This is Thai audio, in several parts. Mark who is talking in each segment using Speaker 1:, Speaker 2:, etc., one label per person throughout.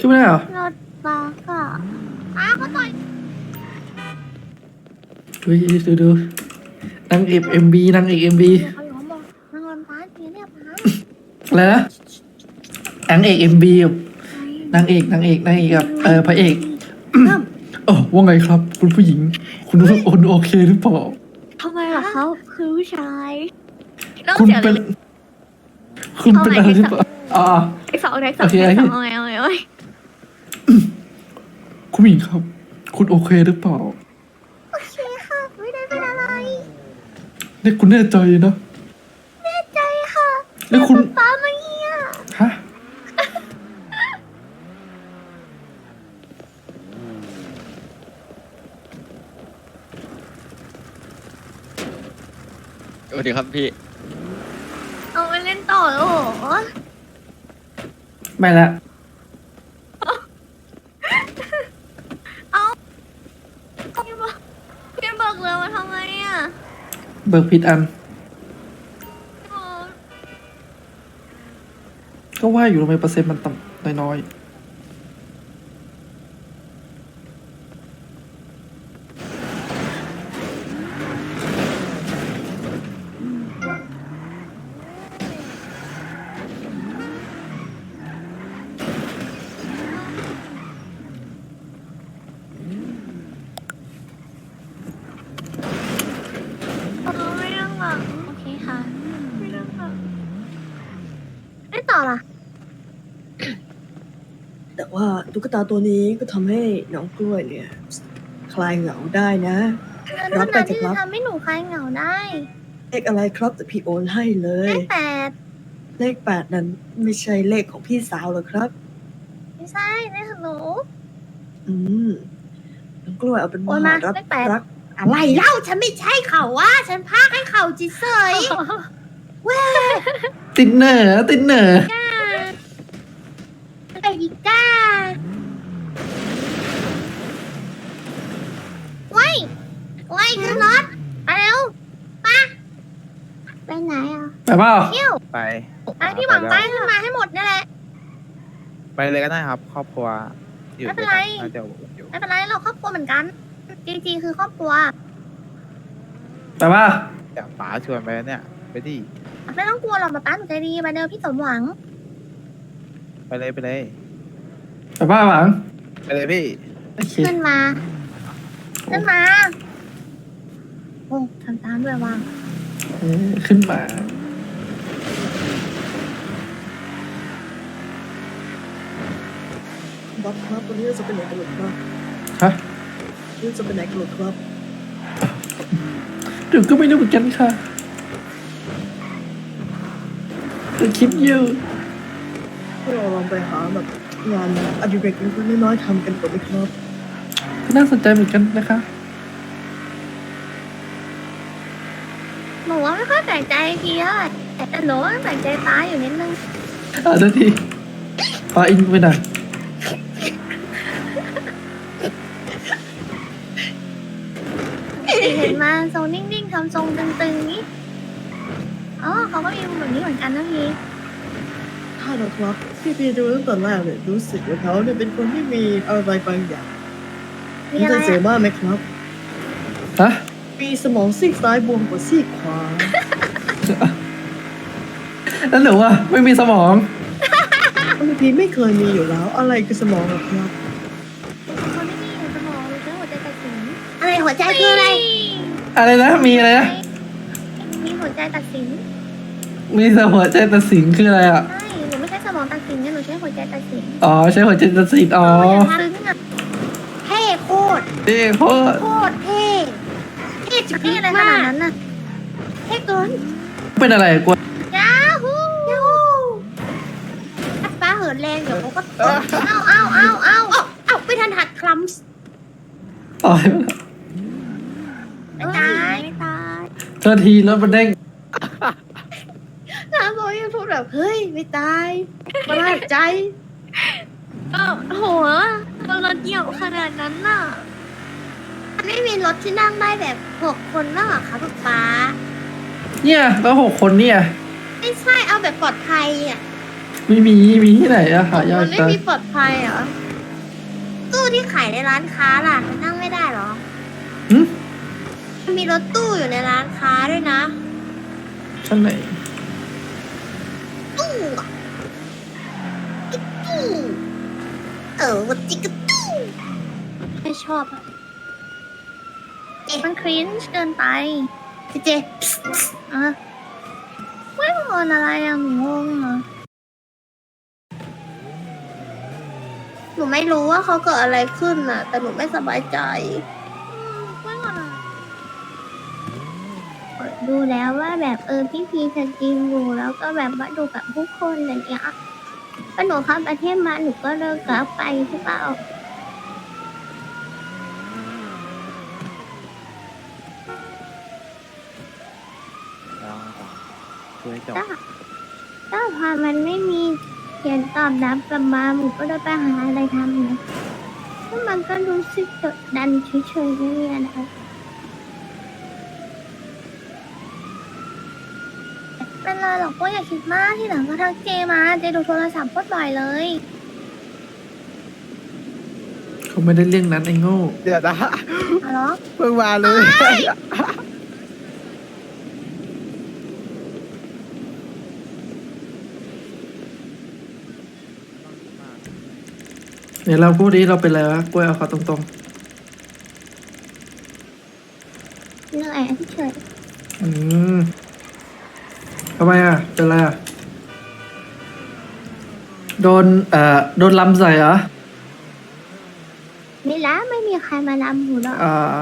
Speaker 1: ช่วยไม่ได้เหรอ
Speaker 2: รถบัสอะเขาต่อย
Speaker 1: ดูนางเอกMVนางเอกMV
Speaker 2: เขาล้อมบอกนางรถบัสเนี่ยป้า
Speaker 1: อะไรนะนางเอก MV กับนางเอกกับพระเอกว่าไงครับคุณผู้หญิงคุณโอเคหรือเปล่า
Speaker 2: ทำไมล่ะเขาคือผู้ชาย
Speaker 1: คุณเป็นอะไรหรือเปล่า
Speaker 2: แท็กสองเอาไง
Speaker 1: คุณผู้หญิงครับคุณโอเคหรือเปล่า
Speaker 2: โอเคค่ะไม่ได้เป็นอะไร
Speaker 1: เนี่ยคุณแน่ใจนะ
Speaker 2: แน่ใจค่ะ
Speaker 1: แล้วคุณ
Speaker 2: ป้ามาเฮีย
Speaker 1: ฮะ
Speaker 3: สวัสดีครับพี่
Speaker 2: เอาไปเล่นต่อโอ้โห
Speaker 1: ไม่ละ
Speaker 2: เอาพี่เบิกเรือมาทำไมอ่ะ
Speaker 1: เบิกผิดอันก็ว่าอยู่ทำไมเปอร์เซ็นต์มันต่ำน้อย
Speaker 2: ไม่ต้องหลังโอเคค่ะไม่ต้องหลังไม่ต่อล่ะ
Speaker 4: แต่ว่าตุ๊กตาตัวนี้ก็ทำให้น้องกล้วยเนี่ยคลายเหงาได้นะรับไปจะครับ
Speaker 2: ทำให้หนูคลายเหงาได้
Speaker 4: เลขอะไรครับแต่พี่โอนให้เล
Speaker 2: เลย ขแปด
Speaker 4: เลข8นั้นไม่ใช่เลขของพี่สาวหรอครับ
Speaker 2: ไม่ใช่เลขของหนู
Speaker 4: อืมน้องกล้วยเอาเป็นว่ารับ
Speaker 2: เลขแปด
Speaker 4: รัก
Speaker 2: อะไรเล่าฉันไม่ใช่เขาว่าฉันพากให้เขาจิเซยเว้ย
Speaker 1: ติดเหน่อ
Speaker 2: ไปดิก้าไว้ขึ้นรถไปเร็วไปไหนอ่ะ
Speaker 1: ไปเปล่า
Speaker 2: เที่ยว
Speaker 3: ไป
Speaker 2: ที่หวังไปขึ้นมาให้หมดนี่แหละ
Speaker 3: ไปเลยก็ได้ครับ ครอบครัวอยู่
Speaker 2: ไม่เป็นไร
Speaker 3: น่าจะอยู่
Speaker 2: ไม่เป็นไรเราครอบครัวเหมือนกันจริงๆคือครอบครัว
Speaker 1: ไปเปล่า
Speaker 3: อยากป๋าชวนไปเนี่ยไปดิ
Speaker 2: ไม่ต้องกลัวหรอกป๊าหนูใจดีมาเดินพี่สมหวัง
Speaker 3: ไปเลย
Speaker 1: ไปเปล่าหวัง
Speaker 3: ไปเลยพี่
Speaker 2: ขึ้นมาโอ้ทำตามด้วยว่าง
Speaker 1: ขึ้นมา
Speaker 4: บ๊อบครับวันนี้จะไปไหนกันหรอครับ
Speaker 1: ฮะ
Speaker 4: นี่จะไปไหนกันหรอครับ
Speaker 1: เดี๋ยวก็ไม่รู้เหมือนกันค่ะจะคิดอยู่
Speaker 4: เราลองไปหาแบบงานอดิเรกเล็กๆน้อยๆทำกันก่อนไหมครับ
Speaker 1: น่าสนใจเหมือนกันนะคะ
Speaker 2: หนูว่าไม่ค่อยแปลกใจทีเท่าไหร่แต่หนูว่าแปลกใจตายอยู่นิดนึง
Speaker 1: ทันทีพาอินไปหน่อย
Speaker 2: เห็นมาทรงนิ่งๆทำทรงตึงๆนี้เขาก็มีมุมแบบนี้เหมือนกันนะพี่
Speaker 4: ถ้าเราครับพี่ดูตั้งแต่แรกเนี่ยรู้สึกว่าเขาเนี่ยเป็นคนที่มีอะไรบางอย่าง
Speaker 2: มีอะไร
Speaker 4: เจอบ้างไหมครับ
Speaker 1: ฮะ
Speaker 4: มีสมองซีกซ้ายบวมกว่าซีกขวา
Speaker 1: แล้วหนูอ่ะไม่มีสมอง
Speaker 4: พี่ไม่เคยมีอยู่แล้วอะไรคือสมองครับ
Speaker 2: คนไม่มีสมองหรือใช้หัวใจตัดสินอะไรหัวใจคืออะไร
Speaker 1: นะมีอะไรนะ
Speaker 2: มีหัวใจตัดสิน
Speaker 1: มีหัวใจตัดสินคืออะไรอ่ะ
Speaker 2: ใช่หนูไม่ใช่สมองตัดสินเนี่ยหนูใช้หัวใจตัดสิน
Speaker 1: ใช้หัวใจตัดสิน
Speaker 2: ซึ้งอ่ะเท่โคตร
Speaker 1: เท่
Speaker 2: เท่จุดนี้อะไรขนาดนั้นน่ะเท่เกิน
Speaker 1: เป็นอะไรกลัวย
Speaker 2: าฮูป้าเหินแรงเดี๋ยวเขาก็เอาไม่ทันหักคลัมส์
Speaker 1: ตาย
Speaker 2: ไม่ตาย
Speaker 1: เธอทีแล้วมันเด้ง
Speaker 4: น้าบอกยังพูดแบบเฮ้ยไม่ตายประหลาดใจ
Speaker 2: โหรถเหี่ยวขนาดนั้นน่ะไม่มีรถที่นั่งได้แบบ6 คนแล้วเหรอคะป๊า
Speaker 1: เนี่ยแล้ว6 คนเนี่ย
Speaker 2: ไม่ใช่เอาแบบปลอดภัยอ่ะ
Speaker 1: ไม่มีมีที่ไหนอะหายา
Speaker 2: มั
Speaker 1: ก
Speaker 2: นไม่
Speaker 1: จัง
Speaker 2: มีปลอดภัยเหรอ ตู้ที่ขายในร้านค้าล่ะมันนั่งไม่ได้เหรอ
Speaker 1: หึ
Speaker 2: มันมีรถตู้อยู่ในร้านค้าด้วยนะ
Speaker 1: ชั้นไหน
Speaker 2: ตู้อะจิ๊กตู้วัจิ๊กตู้ไม่ชอบอะมันคริ้นช์เกินไปเจอะไม่งอนอะไรอะหนูงงอะหนูไม่รู้ว่าเขาเกิดอะไรขึ้นอะแต่หนูไม่สบายใจไม่งอนอะดูแล้วว่าแบบพี่พีสตรีมอยู่แล้วก็แบบว่าดูกับผู้คนอะไรอย่างเงี้ยก็หนูเข้าประเทศมาหนูก็เลิกกลับไปใช่เปล่า
Speaker 3: คุยจบ
Speaker 2: ถ้าพอมันไม่มีเขียนตอบรับกลับมาหนูก็ได้ไปหาอะไรทำนะแล้วมันก็รู้สึกกดดันเฉยๆไม่มีอะไรเป็นไรหรอกก็อย่าคิดมากที่หลังก็ทักเจมาเจดูโทรศัพท์โคตรบ่อยเลย
Speaker 1: เขาไม่ได้เรื่องนั้นไอ้โง่
Speaker 3: เดี๋ยวนะ
Speaker 2: อ๋อเหรอ
Speaker 3: เพิ่งมาเลย
Speaker 1: เดี๋ยวเราพูดดิเราเป็นอะไรวะกล้วยเอาเขาตรง
Speaker 2: เหนื่อยเฉย
Speaker 1: ๆทำไมอะเป็นอะไรอะโดนโดนลำใส่เหรอ
Speaker 2: ไม่ละไม่มีใครมาลำหนูหรอก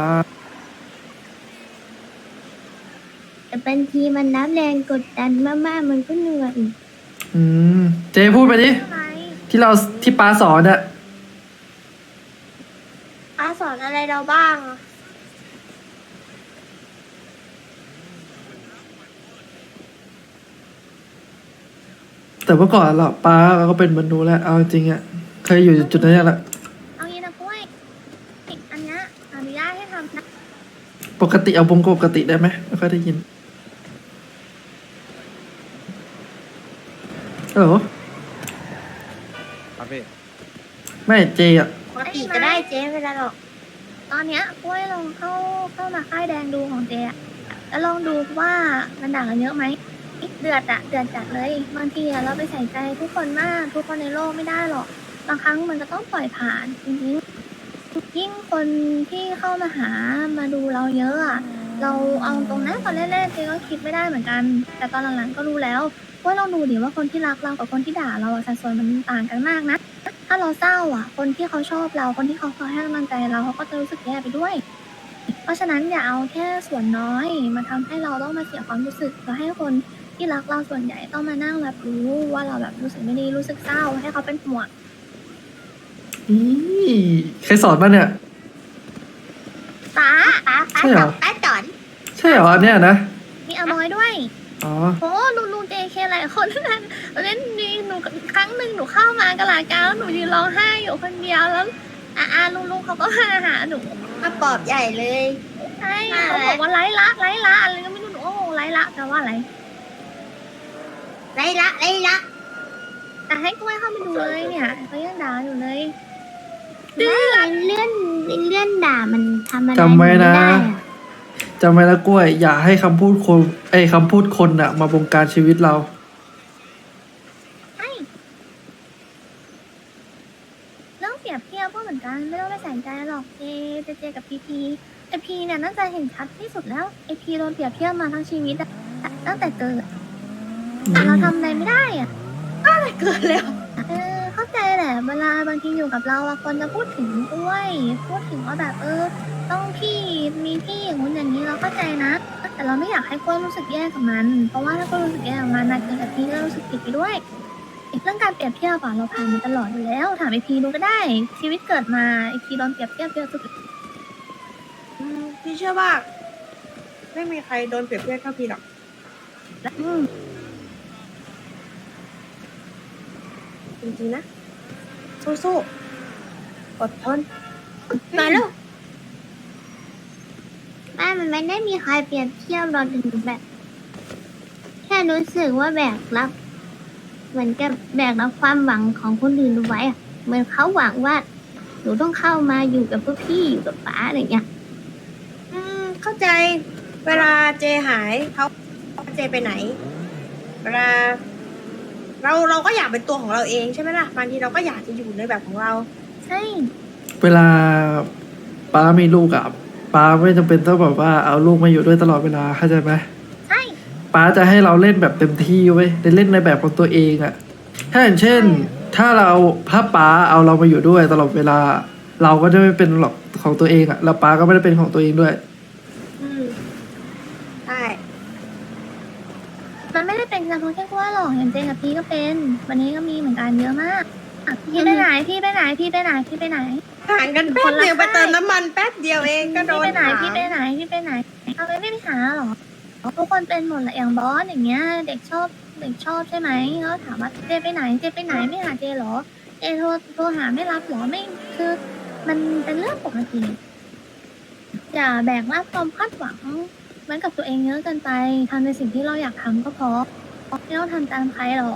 Speaker 2: แต่บางทีมันน้ำแรงกดดันมากๆมันก็เหนื่อย
Speaker 1: เจพูดไปดิ
Speaker 2: อะไร
Speaker 1: ที่ป้าสอนอะ
Speaker 2: อาสอนอะไรเราบ้างอะ
Speaker 1: แต่เมื่อก่อนเราป้าก็เป็นมนุษย์แล้วเอาจริงๆอะเคยอยู่จุดนั้นแหละ
Speaker 2: เอางี้นะกล้วยอันเนี้ยอนุญาตให้ทำนะ
Speaker 1: ปกติเอาปกติได้ไหมไม่ค่อยได้ยินฮัลโหล
Speaker 3: ครับพี่
Speaker 1: ไม่เจอะ
Speaker 2: ปกติก็ได้เจ๊ไม่เป็นไรหรอก ตอนเนี้ยกล้วยลองเข้ามาค่ายแดงดูของเจ๊อะแล้วลองดูว่ามันด่ากันเยอะไหมเดือดจัดเลยบางทีอะเราไปใส่ใจทุกคนมากทุกคนในโลกไม่ได้หรอกบางครั้งมันก็ต้องปล่อยผ่านจริงๆยิ่งคนที่เข้ามาหามาดูเราเยอะอะเราเอาตรงนั้นตอนแรกๆเจ๊ก็คิดไม่ได้เหมือนกัน แต่ตอนหลังๆก็รู้แล้วว่าเราดูดิว่าคนที่รักเรากับคนที่ด่าเราอะสัดส่วนมันต่างกันมากนะ ถ้าเราเศร้าอ่ะ คนที่เขาชอบเรา คนที่เขาคอยให้กำลังใจเราเขาก็จะรู้สึกแย่ไปด้วย เพราะฉะนั้นอย่าเอาแค่ส่วนน้อยมาทำให้เราต้องมาเสียความรู้สึกแล้วให้คนที่รักเราส่วนใหญ่ต้องมานั่งรับรู้ว่าเราแบบรู้สึกไม่ดีรู้สึกเศร้าให้เขาเป็นห่วง
Speaker 1: อีใครสอนมาเนี่ย
Speaker 2: ป้า
Speaker 1: ใช่เหรอ
Speaker 2: ป้าจอน
Speaker 1: ใช่เหรออันเนี้ยนะ
Speaker 2: มีอมอยด้วย
Speaker 1: อ๋อ
Speaker 2: โอ้ลุงเจเคหลายคนนั้นเล่นนี่หนูครั้งหนึ่งหนูเข้ามากะลากาแล้วหนูยืนร้องไห้อยู่คนเดียวแล้วลุงเขาก็มาหาหนูมาปลอบใหญ่เลยใช่เขาบอกว่าไร้ละอะไรก็ไม่รู้หนูโอ้ไร้ละแปลว่าอะไรไร้ละแต่ให้กล้วยเข้าไปดูเลยเนี่ยเขายังด่าอยู่เลยเลื่อนด่ามันทำอะไร
Speaker 1: จำไว้นะ
Speaker 2: ม่ด้อ
Speaker 1: จำไว้นะกล้วย อย่าให้คำพูดคนอะมาบงการชีวิตเรา
Speaker 2: ใช่เรื่องเปรียบเทียบก็เหมือนกันไม่ต้องไปใส่ใจหรอกเจกับพีไอพีเนี่ยน่าจะเห็นชัดที่สุดแล้วไอพีโดนเปรียบเทียบมาทั้งชีวิตอะตั้งแต่เกิดแต่เราทำอะไรไม่ได้อะก็อะไรเกิดแล้วเข้าใจแหละเวลาบางทีอยู่กับเราอะคนจะพูดถึงด้วยพูดถึงว่าแบบต้องพี่มีพี่อย่างนู้นอย่างนี้เราเข้าใจนะ แต่เราไม่อยากให้กล้วยรู้สึกแย่กับมัน เพราะว่าถ้ากล้วยรู้สึกแย่กับมันนะเจกับพี่ก็รู้สึกผิดไปด้วย เรื่องการเปรียบเทียบอะเราผ่านมาตลอดอยู่แล้ว ถามไอพีดูก็ได้ ชีวิตเกิดมาไอพีโดนเปรียบเทียบเยอะสุด
Speaker 4: พี่เชื่อว่า ไม่มีใครโดนเปรียบเทียบเท่าพี่หรอก จริงๆนะ สู้ๆอดทน
Speaker 2: มาแล้วแม่มันไม่ได้มีใครเปรียบเทียบเราถึงแบบ แค่รู้สึกว่าแบบรักเหมือนกับแบกรับความหวังของคนอื่นเอาไว้อะเหมือนเขาหวังว่าหนูต้องเข้ามาอยู่กับพวกพี่อยู่กับป๋าอะไรเงี้ย
Speaker 4: เข้าใจ เวลาเจหายเขาเจไปไหน เวลาเราก็อยากเป็นตัวของเราเองใช่ไหมล่ะบางทีเราก็อยากจะอยู่ในแบบของเรา
Speaker 2: ใช่
Speaker 1: เวลาป้ามีลูกอะป้าไม่จำเป็นต้องแบบว่าเอาลูกมาอยู่ด้วยตลอดเวลาเข้าใจไหม
Speaker 2: ใช่
Speaker 1: ป้าจะให้เราเล่นแบบเต็มที่เว้ยได้เล่นในแบบของตัวเองอะถ้าอย่างเช่น ถ้าป้าเอาเรามาอยู่ด้วยตลอดเวลา เราก็จะไม่เป็นหรอกของตัวเองอะแล้วป้าก็ไม่ได้เป็นของตัวเองด้วย
Speaker 4: อืมใช่
Speaker 2: มันไม่ได้เป็นเฉพาะแค่กล้วยหรอกอย่างเจนกับพี่ก็เป็น วันนี้ก็มีเหมือนกันเยอะมากอ่ะพี่ไปไหนพี่ไปไหนพี่ไปไหนพี่ไปไหน
Speaker 4: ห่างกันแป๊บเดียวไปเติมน้ำมันแป๊บเดียวเองก็โด
Speaker 2: พี่
Speaker 4: น
Speaker 2: ไปไหน
Speaker 4: ถาม
Speaker 2: พี่ไปไหนพี่ไปไหนเอาไปไม่ไปหาหรอทุกคนเป็นหมดแหละอย่างบอสอย่างเงี้ย เด็กชอบใช่ไหมแล้วถามว่าเจไปไหนเจไปไหนไม่หาเจเหรอเจโทรหาไม่รับเหรอไม่คือมันเป็นเรื่องปกติอย่าแบกรับความคาดหวังไว้กับตัวเองเยอะเกินไปทำในสิ่งที่เราอยากทำก็พอไม่ต้องทำตามใครหรอก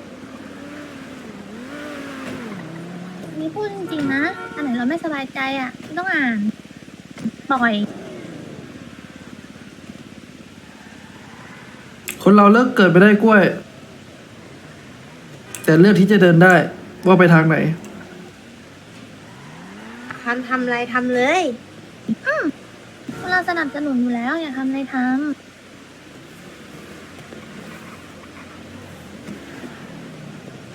Speaker 2: นี่พูดจริงๆนะอันไหนเราไม่สบายใจอ่ะไม่ต้องอ่านบ่อย
Speaker 1: คนเราเลิกเกิดไปได้กล้วย แต่เลือกที่จะเดินได้ว่าไปทางไหน
Speaker 4: ทำอะไรทำเลย
Speaker 2: เราสนับสนุนอยู่แล้วอยากทำอะไรทำ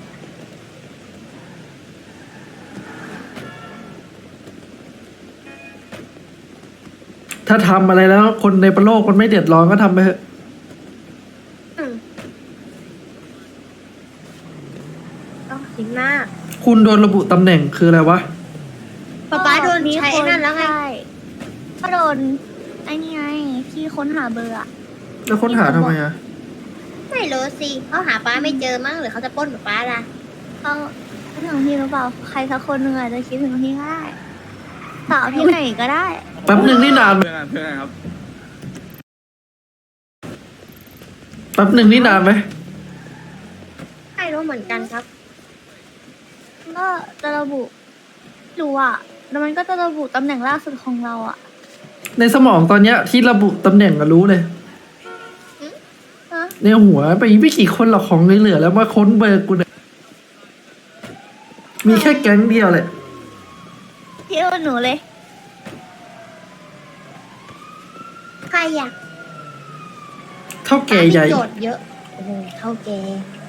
Speaker 1: ถ้าทำอะไรแล้วคนในโลกมันไม่เดือดร้อนก็ทำไปเถอะ
Speaker 4: ต้องคิดมาก
Speaker 1: คุณโดนระบุตำแหน่งคืออะไรวะ
Speaker 4: ป๊าโดนใช้ไอ้นั่นแล้วไง
Speaker 2: ใช่ก็โดนไอ้นี่ไงที่ค้นหาเบอร์อะ
Speaker 1: แล้วค้นหาทำไมอะ
Speaker 4: ไม่รู้สิเขาหาป้าไม่เจอมั้งหรือเขาจะปล้นป้าล่ะ
Speaker 2: เขาคิดถึงพี่หรือเปล่าใครสักคนหนึ่งอาจจะคิดถึงพี่ก็ได้ต่อพี่ไหนก็ได้
Speaker 1: แป๊บหนึ่งนี่นาน
Speaker 3: เพื่อนครับ
Speaker 1: แป๊บหนึ่งนี่นานไหม
Speaker 4: ไม่รู้เหมือนกันครับ
Speaker 2: ก็จะระบุรู้อะแล้วมันก็จะระบุตำแหน่งล่าสุดของเราอะ
Speaker 1: ในสมองตอนเนี้ยที่ระบุตำแหน่งก็รู้เลย
Speaker 2: ฮะ
Speaker 1: ในหัวไปไม่กี่คนหรอกของเหลือๆแล้วมาค้นเบอร์กูเนี่ยมีแค่แก๊งเดียวเลย
Speaker 2: พี่เอาหนูเลย
Speaker 4: ใครอยาก
Speaker 1: เท่าแก่ใหญ่
Speaker 4: โจทย์เยอะ โอ้โหเท่าแก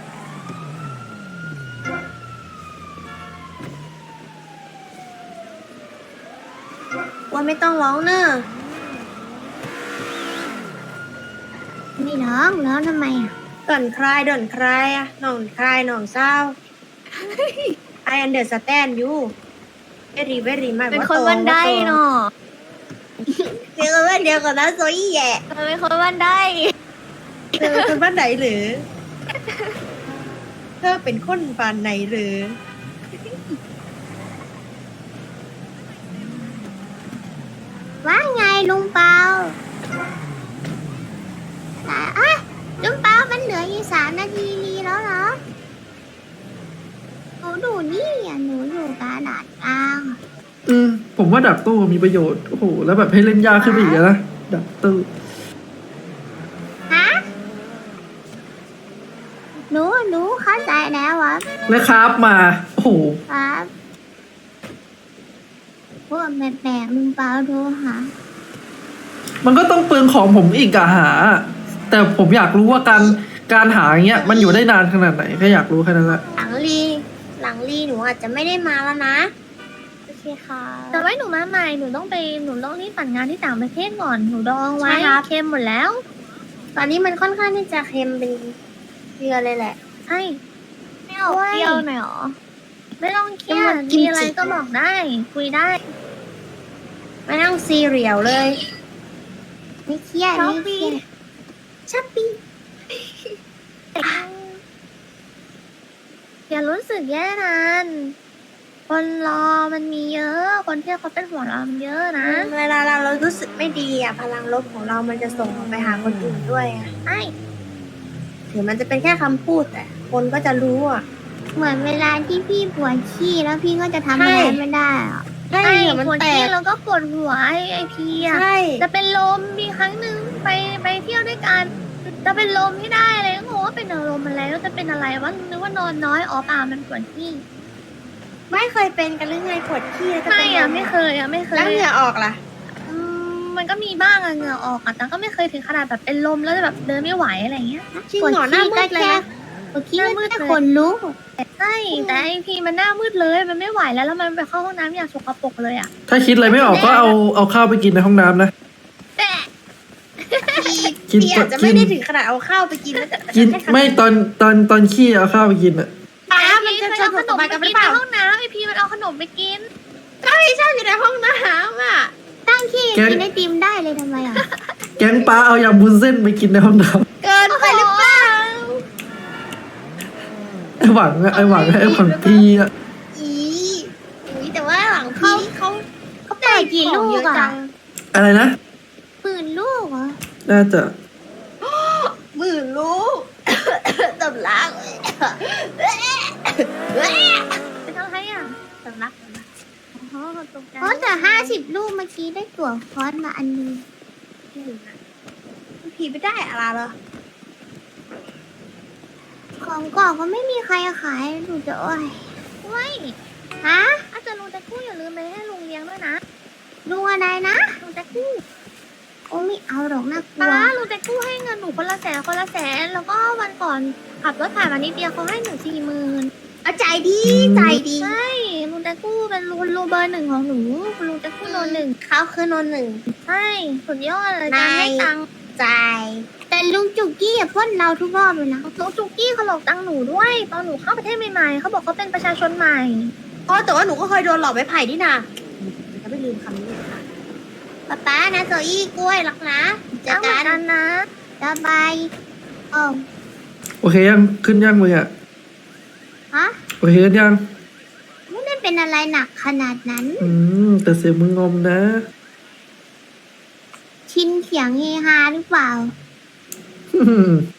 Speaker 4: ว่าไม่ต้องร้องเนอะ
Speaker 2: ไม่ร้องแล้วทำไมอะ
Speaker 4: ด่อนคลายอะหน่องคลายหน่องเศร้า I understand you very much
Speaker 2: เป็นคนวันได้เนาะ
Speaker 4: เดี๋ยวกันเดียวกันนะโซยี่แย่
Speaker 2: เป็นคนวันได้
Speaker 4: เธอเป็นคนบ้านไหนหรือ เธอเป็นคนบ้านไหนหรือ
Speaker 2: ว่าไงลุงเปาแต่อะลุงเปามันเหลืออยู่3 นาทีรีแล้วเหรอหนูดูนี่อ่ะหนูอยู่กระดาษกลาง
Speaker 1: ผมว่าดักตู้มีประโยชน์ โอ้โห แล้วแบบให้เล่นยากขึ้นไปอีกอะนะ ดักตู้
Speaker 2: ฮะหนูเข้าใจแล้ววะ
Speaker 1: และคราฟมา โอ้โห
Speaker 2: ครับพวกแปลกๆลุงเปาโทรหา
Speaker 1: มันก็ต้องเปลืองของผมอีกอะหา แต่ผมอยากรู้ว่าการหาอย่างเงี้ย มันอยู่ได้นานขนาดไหนแค่อยากรู้แค่นั้นแหละ
Speaker 4: หลังลีหนูอาจจะไม่ได้มาแล้วนะ
Speaker 2: โอเคค่ะแต่ไว้หนูมาใหม่หนูต้องรีบปั่นงานที่ต่างประเทศก่อนหนูดองไว้
Speaker 4: ใช่ครับ
Speaker 2: เค็มหมดแล้ว
Speaker 4: ตอนนี้มันค่อนข้างที่จะเค็มเป็นเกลือเลยแหละ
Speaker 2: ใช่ไม่เอาเปรี้ยวหน่อยหรอไม่ต้องเครีย
Speaker 4: มั
Speaker 2: ด
Speaker 4: นกิมจิ
Speaker 2: มีอะไรก็บอกได้ คุยได้
Speaker 4: ไม่ต้องซีเรียลเลย
Speaker 2: ไม่เครียดไม่เครียด
Speaker 4: ชัปปี้
Speaker 2: อย่ารู้สึกแย่นานคนรอมันมีเยอะ คนที่เขาเป็นห่วงเรามันเยอะนะ
Speaker 4: เวลาเรารู้สึกไม่ดีอ่ะพลังลบของเรามันจะส่งออกไปหาคนอื่นด้วยอ่ะ
Speaker 2: ใช่
Speaker 4: ถึงมันจะเป็นแค่คำพูดแต่คนก็จะรู้อ่ะ
Speaker 5: เหมือนเวลาที่พี่ปวดขี้แล้วพี่ก็จะทำอะไร
Speaker 4: ใช่
Speaker 5: ไม่ได้อะ
Speaker 4: ใช่
Speaker 2: ไอ้
Speaker 4: เหรอมัน
Speaker 2: ปวด
Speaker 4: แต
Speaker 2: ขี้
Speaker 4: ก
Speaker 2: แล้วก็ปวดหัวไอพีอะ
Speaker 4: ใช่
Speaker 2: จะเป็นลมมีครั้งหนึ่งไปเที่ยวด้วยกันจะเป็นลมให้ได้เลยก็งงว่าเป็นลมอะไรแล้วจะเป็นอะไรวะนึกว่านอนน้อยอ๋อเปล่ามันปวดขี้
Speaker 4: ไม่เคยเป็นกันหรือไงปวดขี้แล้วจะ
Speaker 2: ไม่
Speaker 4: เป็น
Speaker 2: อะ
Speaker 4: ล
Speaker 2: ไม่เคยอะไม่เคย
Speaker 4: แล้วเหงื่อออกล่ะ
Speaker 2: มันก็มีบ้างอะเหงื่อออกอะแต่ก็ไม่เคยถึงขนาดแบบเป็นลมแล้วแบบเดินไม่ไหวอะไรเงี้ย
Speaker 4: จริงเหรอหน้ามืดเลยนะ
Speaker 5: ปวดขี้
Speaker 2: หน้า
Speaker 5: ก็
Speaker 2: มืด
Speaker 5: แค่
Speaker 2: เลย
Speaker 5: ขนลุก
Speaker 2: ใช่แต่ไอพีมันหน้ามืดเลยมันไม่ไหวแล้วมันไปเข้าห้องน้ำอย่างสกปรกเลยอะ
Speaker 1: ถ้าคิดอะไรไม่ออกก็เอาข้าวไปกินในห้องน้ำนะ
Speaker 2: แต่
Speaker 1: กิน
Speaker 4: พี่อาจจะไม่ได้ถึงขนาดเอาข้าวไปกินแล้วแต่
Speaker 1: กินไม่ตอนขี้เอาข้าวไปกินอะ
Speaker 4: ป้ามันจะ
Speaker 2: เคย
Speaker 4: ส
Speaker 2: เอา
Speaker 4: นุ
Speaker 2: ข
Speaker 4: ก
Speaker 2: น
Speaker 4: กับ
Speaker 2: ม
Speaker 4: มัน
Speaker 2: ไป
Speaker 4: กันห
Speaker 2: กิ
Speaker 4: รื
Speaker 2: น
Speaker 4: อเป
Speaker 2: ใน
Speaker 4: ล่า
Speaker 2: ห้องน้ำไอพีมันเอาขนมไปกิน
Speaker 4: ก็ไม่ชอบอยู่ในห้องน้ำอ่ะ
Speaker 5: ตั้งขี้กินไอติมได้เลยทำไมอ่ะ
Speaker 1: แก๊งป้าเอายำบุญเส้นไปกินในห้องน้
Speaker 4: เกินไปหรือเปล่า
Speaker 1: ำไอหวังพี่อะ
Speaker 4: อีอุ๊ยแต่ว่าหลังพี่เขา
Speaker 5: เขาเปิดกี่ลูกอ่ะ
Speaker 1: อะไรนะ
Speaker 5: ปืนลูกเหรอ
Speaker 1: น่าจะ
Speaker 4: หมื่นลูก ตำลัก
Speaker 2: เป็นอะไรอ่ะสำลักอ๋อตกใจ
Speaker 5: เพราะแต่50 ลูกเมื่อกี้ได้ตั๋วคอร์สมาอันนึง
Speaker 4: พี่ไม่ได้อะไรเหรอ
Speaker 5: ของกล่องก็ไม่มีใครขายหนูจะโอ้ย
Speaker 2: เว้ย
Speaker 5: ฮะ
Speaker 2: อาจารย์ลุงจะกู้อย่าลืมไปให้ลุงเลี้ยงด้วยนะ
Speaker 5: ลุงอะไรนะ
Speaker 2: ลุงจะกู้
Speaker 5: โอ้ไม่เอาหรอกน่ากลั
Speaker 2: ป้าว ลุงจะกู้ให้เงินหนูคนละแสนแล้วก็วันก่อนขับรถผ่านมานิดเดียวเขาให้หนู40,000
Speaker 4: เอาใจดีใจดี
Speaker 2: ใช่ลุงจะกู้เป็นลุงเบอร์หนึ่งของหนูลุงจะกู้โนหนึ่ง
Speaker 4: เขาคือโนหนึ่ง
Speaker 2: ใช่สุดยอดเลยการให้ตังค์
Speaker 4: ใจ
Speaker 5: แต่ลุงจุกกี้อย่าพ่นเราทุกรอบเลยนะ
Speaker 2: ลุงจุกกี้เขาหลอกตังค์หนูด้วยตอนหนูเข้าประเทศใหม่ๆเขาบอกเขาเป็นประชาชนใหม่
Speaker 4: อ๋อแต่ว่าหนูก็เคยโดนหลอกไม้ไผ่นี่นะจะไม่ลืมคำนี้เลยค่ะ
Speaker 5: ป๊าป๊านะโซอี้กล้วยรักนะเจอ
Speaker 2: เอาเหมื
Speaker 5: กั
Speaker 2: อน
Speaker 5: น
Speaker 2: กันนะ
Speaker 5: สบายโอ้
Speaker 1: โอเคยังขึ้นยังมืออะ
Speaker 5: ฮะ
Speaker 1: โอเคยัง
Speaker 5: ไม่ได้เป็นอะไรหนักขนาดนั้น
Speaker 1: แต่เสียงมึงงอมนะ
Speaker 5: ชินเสียงเฮฮาหรือเปล่า
Speaker 1: อืม